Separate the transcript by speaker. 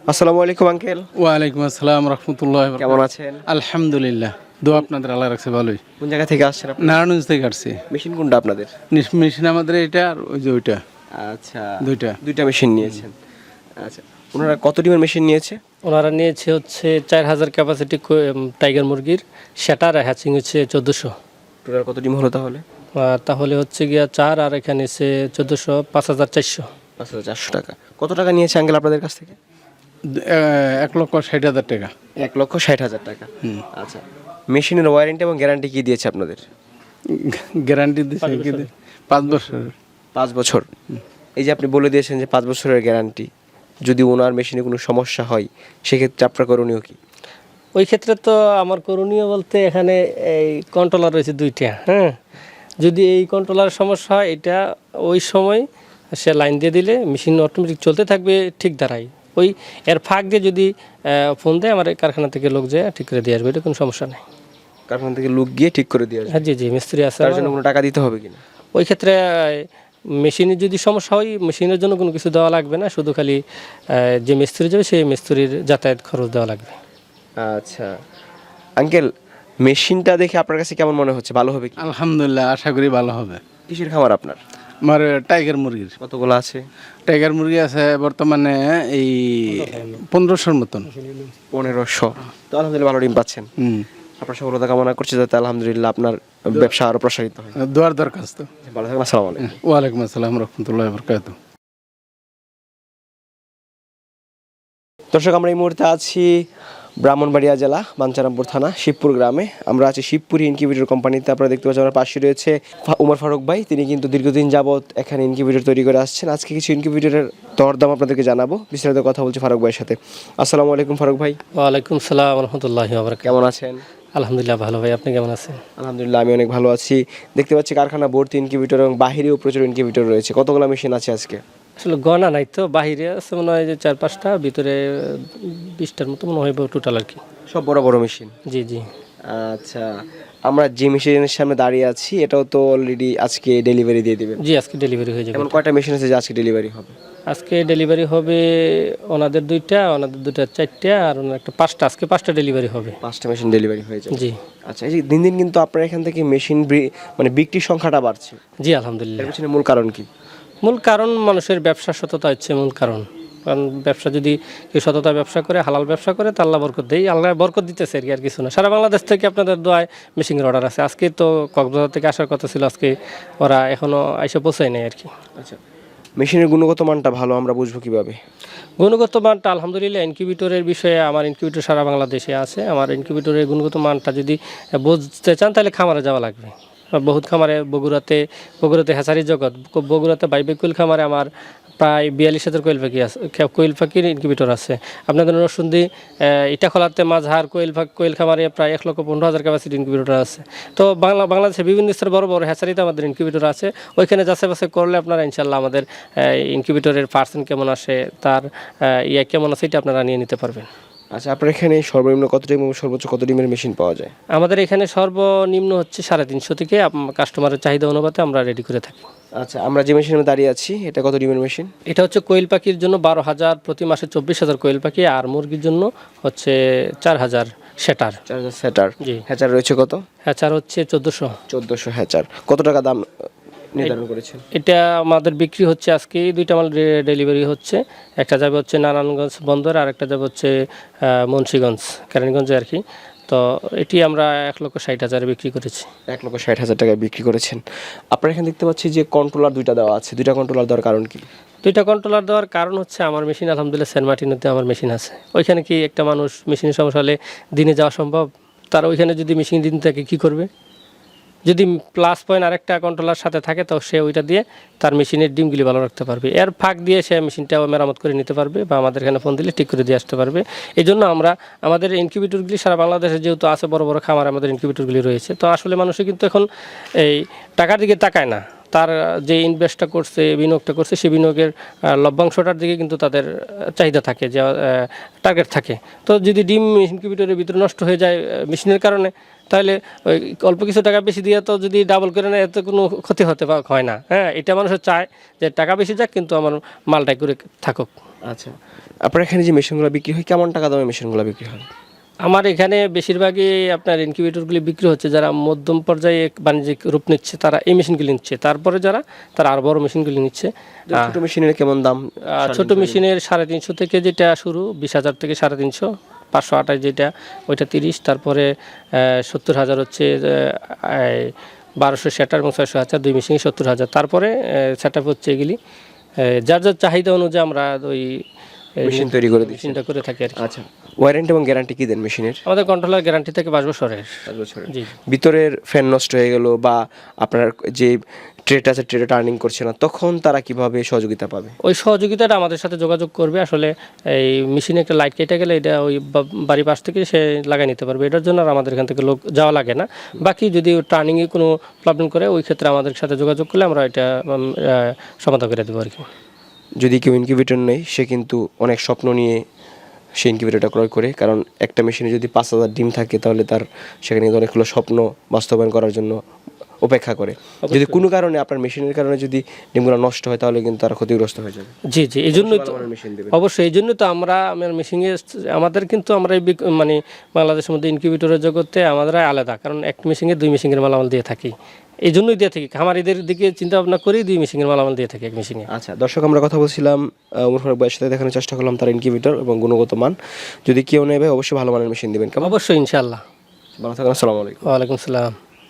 Speaker 1: আসসালামু আলাইকুম আঙ্কেল।
Speaker 2: ওয়ালাইকুম আসসালাম রহমতুল্লাহ।
Speaker 1: কেমন আছেন?
Speaker 2: আলহামদুলিল্লাহ, দোয়া আপনাদের আল্লাহ রাখছে ভালোই।
Speaker 1: কোন জায়গা থেকে আসছেন আপনি?
Speaker 2: নারায়ণগঞ্জ থেকে আসছি।
Speaker 1: মেশিন কোনটা আপনাদের?
Speaker 2: মেশিন আমাদের এটা আর ওই যে ওইটা,
Speaker 1: আচ্ছা,
Speaker 2: দুইটা।
Speaker 1: দুইটা মেশিন নিয়েছেন। আচ্ছা, ওনারা কত ডিমের মেশিন নিয়েছে?
Speaker 3: ওনারা নিয়েছে হচ্ছে 4000 ক্যাপাসিটি টাইগার মুরগির, সেটার হ্যাচিং হচ্ছে 1400।
Speaker 1: টোটাল কত ডিম হলো তাহলে?
Speaker 3: তাহলে হচ্ছে গিয়া 4 আর এখানে এসে 1400, 5400।
Speaker 1: 5,400 টাকা। কত টাকা নিয়েছে আঙ্কেল আপনাদের কাছ থেকে?
Speaker 2: 1,60,000 টাকা।
Speaker 1: 1,60,000 টাকা। আচ্ছা, মেশিনের ওয়ারেন্টি এবং গ্যারান্টি কি দিয়েছে আপনাদের?
Speaker 2: গ্যারান্টি দিচ্ছে 5 বছর।
Speaker 1: 5 বছর। এই যে আপনি বলে দিয়েছেন যে 5 বছরের গ্যারান্টি, যদি ওনার মেশিনে কোনো সমস্যা হয় সেক্ষেত্রে আপনার করণীয় কি?
Speaker 3: ওই ক্ষেত্রে তো আমার করণীয় বলতে এখানে এই কন্ট্রোলার রয়েছে 2টা। হ্যাঁ, যদি এই কন্ট্রোলার সমস্যা হয়, এটা ওই সময় সে লাইন দিয়ে দিলে মেশিন অটোমেটিক চলতে থাকবে ঠিক দাঁড়ায়। ওই এর ফাঁক দিয়ে যদি ফোন দেয়, আমার এই কারখানা থেকে লোক যায় ঠিক করে দিয়ে আসবে, এটা কোনো সমস্যা নেই।
Speaker 1: কারখানা থেকে লোক গিয়ে ঠিক করে দিয়ে আসবে?
Speaker 3: হ্যাঁ, জি জি, মিস্ত্রি আছে।
Speaker 1: তার জন্য কোনো টাকা দিতে হবে কিনা?
Speaker 3: ওই ক্ষেত্রে মেশিনের যদি সমস্যা হয়, মেশিনের জন্য কোনো কিছু দেওয়া লাগবে না, শুধু খালি যে মিস্ত্রি যাবে সেই মিস্ত্রির যাতায়াত খরচ দেওয়া লাগবে।
Speaker 1: আচ্ছা আঙ্কেল, মেশিনটা দেখে আপনার কাছে কেমন মনে হচ্ছে? ভালো হবে কি?
Speaker 2: আলহামদুলিল্লাহ, আশা করি ভালো হবে।
Speaker 1: কিসের খামার আপনার?
Speaker 2: আমার টাইগার মুরগির।
Speaker 1: কতগুলো আছে?
Speaker 2: টাইগার মুরগি আছে বর্তমানে এই 1500-র মতন।
Speaker 1: 1500। তো আলহামদুলিল্লাহ ভালো ডিম পাচ্ছেন। আপনার সফলতা কামনা করছি যাতে আলহামদুলিল্লাহ আপনার ব্যবসা আরো প্রসারিত হয়।
Speaker 2: দোয়ার দরখাস্ত।
Speaker 1: ভালো থাকবেন। আসসালামু আলাইকুম।
Speaker 2: ওয়ালাইকুম আসসালাম রহমতুল্লাহ বরকাতুহ।
Speaker 1: দর্শক, আমরা এই মুহূর্তে আছি ব্রাহ্মণবাড়িয়া জেলা বাঞ্ছারামপুর থানা শিবপুর গ্রামে। আমরা আছি শিবপুর ইনকিউবেটর কোম্পানিতে। আপনারা দেখতে পাচ্ছেন আমার পাশে রয়েছে উমর ফারুক ভাই। তিনি কিন্তু দীর্ঘদিন যাবৎ এখানে ইনকিউবেটর তৈরি করে আসছেন। আজকে কিছু ইনকিউবেটরের দরদাম আপনাদেরকে জানাবো, বিস্তারিত কথা বলছি ফারুক ভাইয়ের সাথে। আসসালামু আলাইকুম ফারুক ভাই।
Speaker 3: ওয়ালাইকুম সালাম রহমতুল্লাহি ওয়া বারাকাতুহু।
Speaker 1: কেমন আছেন?
Speaker 3: আলহামদুলিল্লাহ ভালো ভাই, আপনি কেমন আছেন?
Speaker 1: আলহামদুলিল্লাহ আমি অনেক ভালো আছি। দেখতে পাচ্ছি কারখানা ভর্তি ইনকিউবেটর এবং বাহিরেও প্রচুর ইনকিউবেটর রয়েছে। কতগুলো মেশিন আছে আজকে?
Speaker 3: আসলে গণা নাই তো, বাহিরে আছে মনে হয় যে 4-5টা, ভিতরে 20টার মতো মনে হয় টোটাল আর কি।
Speaker 1: সব বড় বড় মেশিন?
Speaker 3: জি জি।
Speaker 1: আচ্ছা, আমরা যে মেশিনের সামনে দাঁড়িয়ে আছি এটাও তো অলরেডি আজকে ডেলিভারি দিয়ে দিবেন?
Speaker 3: জি, আজকে ডেলিভারি হয়ে যাবে।
Speaker 1: এমন কয়টা মেশিন আছে যে আজকে ডেলিভারি হবে?
Speaker 3: আজকে ডেলিভারি হবে ওনাদের 2টা, ওনাদের 2টা 4টা, আর ওনার একটা 5টা। আজকে 5টা ডেলিভারি হবে।
Speaker 1: 5টা মেশিন ডেলিভারি হয়ে যাবে?
Speaker 3: জি।
Speaker 1: আচ্ছা, এই যে দিন দিন কিন্তু আপনার এখান থেকে মেশিন মানে বিক্রির সংখ্যাটা বাড়ছে,
Speaker 3: জি আলহামদুলিল্লাহ।
Speaker 1: এর পিছনে মূল কারণ কি?
Speaker 3: মূল কারণ মানুষের ব্যবসা সততা হচ্ছে মূল কারণ। কারণ ব্যবসা যদি কেউ সততা ব্যবসা করে, হালাল ব্যবসা করে, তা আল্লাহ বরকত দেয়। আল্লাহ বরকত দিতেছে আর কি, আর কিছু না। সারা বাংলাদেশ থেকে আপনাদের দোয়ায় মেশিনের অর্ডার আছে। আজকে তো কক্সবাজার থেকে আসার কথা ছিল, আজকে ওরা এখনও এসে পৌঁছায় নাই আর কি।
Speaker 1: আচ্ছা, মেশিনের গুণগত মানটা ভালো আমরা বুঝবো কিভাবে?
Speaker 3: গুণগত মানটা আলহামদুলিল্লাহ, ইনকিউবেটরের বিষয়ে আমার ইনকিউবেটর সারা বাংলাদেশে আছে। আমার ইনকিউবেটরের গুণগত মানটা যদি বুঝতে চান তাহলে খামারে যাওয়া লাগবে। বহুত খামারে, বগুড়াতে হ্যাচারি জগৎ, বগুড়াতে বাইবেকুল খামারে আমার প্রায় 42,000 কোয়েল পাখি আছে, কোয়েল পাখির ইনকিউবেটর আছে। আপনাদের নরসুন্দি ইটাখলাতে মাঝহার কোয়েল খামারে প্রায় 1,15,000 ক্যাপাসিটি ইনকিউবেটর আছে। তো বাংলাদেশের বিভিন্ন স্তরের বড় বড় হ্যাচারিতে আমাদের ইনকিউবেটর আছে। ওইখানে যাচাই বাছাই করলে আপনারা ইনশাল্লাহ আমাদের ইনকিউবেটরের পার্সেন্ট কেমন আসে, তার কেমন আছে, এটা আপনারা নিয়ে নিতে পারবেন।
Speaker 1: আচ্ছা, আপনার এখানে সর্বনিম্ন কত ডিম এবং সর্বোচ্চ কত ডিমের মেশিন পাওয়া যায়?
Speaker 3: আমাদের এখানে সর্বনিম্ন হচ্ছে 350 থেকে কাস্টমারের চাহিদা অনুপাতে আমরা রেডি করে থাকি।
Speaker 1: আচ্ছা, আমরা যে মেশিনে দাঁড়িয়ে আছি এটা কত ডিমের মেশিন?
Speaker 3: এটা হচ্ছে কোয়েল পাখির জন্য 12,000, প্রতি মাসে 24,000 কোয়েল পাখি, আর মুরগির জন্য হচ্ছে 4,000 সেটার।
Speaker 1: 4,000 সেটার।
Speaker 3: জি।
Speaker 1: হ্যাচার রয়েছে কত?
Speaker 3: হ্যাচার হচ্ছে 1400।
Speaker 1: 1400 হ্যাচার। কত টাকা দাম নির্ধারণ করেছেন?
Speaker 3: এটা আমাদের বিক্রি হচ্ছে আজকে 2টা মাল ডেলিভারি হচ্ছে। একটা যাবে হচ্ছে নারায়ণগঞ্জ বন্দর, আর একটা যাবে হচ্ছে মুন্সিগঞ্জ, কেরানীগঞ্জে আর কি। তো এটি আমরা 1,60,000 বিক্রি করেছি।
Speaker 1: 1,60,000 টাকায় বিক্রি করেছেন। আপনার এখানে দেখতে পাচ্ছি যে কন্ট্রোলার 2টা দেওয়া আছে। 2টা কন্ট্রোলার দেওয়ার কারণ কি?
Speaker 3: 2টা কন্ট্রোলার দেওয়ার কারণ হচ্ছে আমার মেশিন আলহামদুলিল্লাহ সেন্ট মার্টিনোতে আমার মেশিন আছে। ওইখানে কি একটা মানুষ মেশিনের সমস্যা হলে দিনে যাওয়া সম্ভব? তার ওইখানে যদি মেশিন দিন থাকে কী করবে? যদি প্লাস পয়েন্ট আরেকটা কন্ট্রোলার সাথে থাকে তো সে ওইটা দিয়ে তার মেশিনের ডিমগুলি ভালো রাখতে পারবে। এর ফাঁক দিয়ে সে মেশিনটাও মেরামত করে নিতে পারবে, বা আমাদের এখানে ফোন দিলে ঠিক করে দিয়ে আসতে পারবে। এই জন্য আমরা আমাদের ইনকিউবেটরগুলি সারা বাংলাদেশে যেহেতু আছে, বড় বড় খামার আমাদের ইনকিউবেটরগুলি রয়েছে। তো আসলে মানুষে কিন্তু এখন এই টাকার দিকে তাকায় না, তার যে ইনভেস্টটা করছে, বিনিয়োগটা করছে, সেই বিনিয়োগের লভ্যাংশটার দিকে কিন্তু তাদের চাহিদা থাকে, যে টার্গেট থাকে। তো যদি ডিম ইনকিউবেটরের ভিতরে নষ্ট হয়ে যায় মেশিনের কারণে, তাহলে ওই অল্প কিছু টাকা বেশি দিয়ে তো যদি ডাবল করে নেয় এতে কোনো ক্ষতি হতে হয় না। হ্যাঁ, এটা মানুষের চায় যে টাকা বেশি যাক কিন্তু আমার মালটাই করে থাকুক।
Speaker 1: আচ্ছা, আপনার এখানে যে মেশিনগুলো বিক্রি হয় কেমন টাকা দামে মেশিনগুলো বিক্রি হয়?
Speaker 3: আমার এখানে বেশিরভাগই আপনার ইনকিউবেটরগুলি বিক্রি হচ্ছে, যারা মধ্যম পর্যায়ে বাণিজ্যিক রূপ নিচ্ছে তারা এই মেশিনগুলি নিচ্ছে, তারপরে তারা আরও বড় মেশিনগুলি নিচ্ছে।
Speaker 1: ছোট মেশিনের কেমন দাম?
Speaker 3: ছোট মেশিনের 350 থেকে যেটা শুরু, 20,000 থেকে 350, 528 যেটা ওইটা 30, তারপরে 70,000 হচ্ছে 1200 সেটার এবং 600,000 দুই মেশিনে 70,000, তারপরে সেট আপ হচ্ছে এগুলি যার যার চাহিদা অনুযায়ী আমরা ওই
Speaker 1: মেশিন তৈরি করে দিচ্ছেন।
Speaker 3: মেশিনটা করে থাকি আর কি।
Speaker 1: আচ্ছা, ওয়ারেন্টি এবং গ্যারান্টি কি দেন মেশিনের?
Speaker 3: আমাদের কন্ট্রোলার গ্যারান্টি থেকে 5 বছরের।
Speaker 1: 5 বছরের।
Speaker 3: জি।
Speaker 1: ভিতরের ফ্যান নষ্ট হয়ে গেল বা আপনার যে ট্রেটা আছে ট্রেটা টার্নিং করছে না, তখন তারা কিভাবে সহযোগিতা পাবে?
Speaker 3: ওই সহযোগিতাটা আমাদের সাথে যোগাযোগ করবে। আসলে এই মেশিনে একটা লাইট কেটে গেলে এটা ওই বাড়ির পাশ থেকে সে লাগাই নিতে পারবে, এটার জন্য আর আমাদের এখান থেকে লোক যাওয়া লাগে না। বাকি যদি টার্নিংয়ে কোনো প্রবলেম করে ওই ক্ষেত্রে আমাদের সাথে যোগাযোগ করলে আমরা এটা সমাধান করে দেবো আর কি।
Speaker 1: যদি কেউ ইনকিউবেটর নেই, সে কিন্তু অনেক স্বপ্ন নিয়ে সে ইনকিউবেটরটা ক্রয় করে, কারণ একটা মেশিনে যদি 5,000 ডিম থাকে তাহলে তার সেখানে কিন্তু অনেকগুলো স্বপ্ন বাস্তবায়ন করার জন্য অপেক্ষা করে। যদি কোনো কারণে আপনার মেশিনের কারণে যদি ডিমগুলো নষ্ট হয় তাহলে কিন্তু তারা ক্ষতিগ্রস্ত হয়ে যাবে।
Speaker 3: জি জি, এই জন্যই তো
Speaker 1: মেশিন দেবে।
Speaker 3: অবশ্যই এই জন্য তো আমরা আমার মেশিনে আমাদের কিন্তু আমরা এই মানে বাংলাদেশের মধ্যে ইনকিউবেটরের জগতে আমাদের আলাদা, কারণ এক মেশিনে 2 মেশিনের মালামাল দিয়ে থাকি, এই জন্যই দিয়ে থাকি। খামারিদের দিকে চিন্তা ভাবনা করেই 2 মেশিনের মালামাল দিয়ে থাকি এক মেশিনে।
Speaker 1: আচ্ছা দর্শক, আমরা কথা বলছিলাম ওমর ফারুক ভাইয়ের সাথে, দেখানোর চেষ্টা করলাম তার ইনকিউবেটর এবং গুণগত মান। যদি কেউ নেবে অবশ্যই ভালো মানের মেশিন দেবেন। কেমন?
Speaker 3: অবশ্যই ইনশাআল্লাহ।
Speaker 1: ভালো থাকুন, আসসালামু আলাইকুম।
Speaker 3: ওয়ালাইকুম সালাম।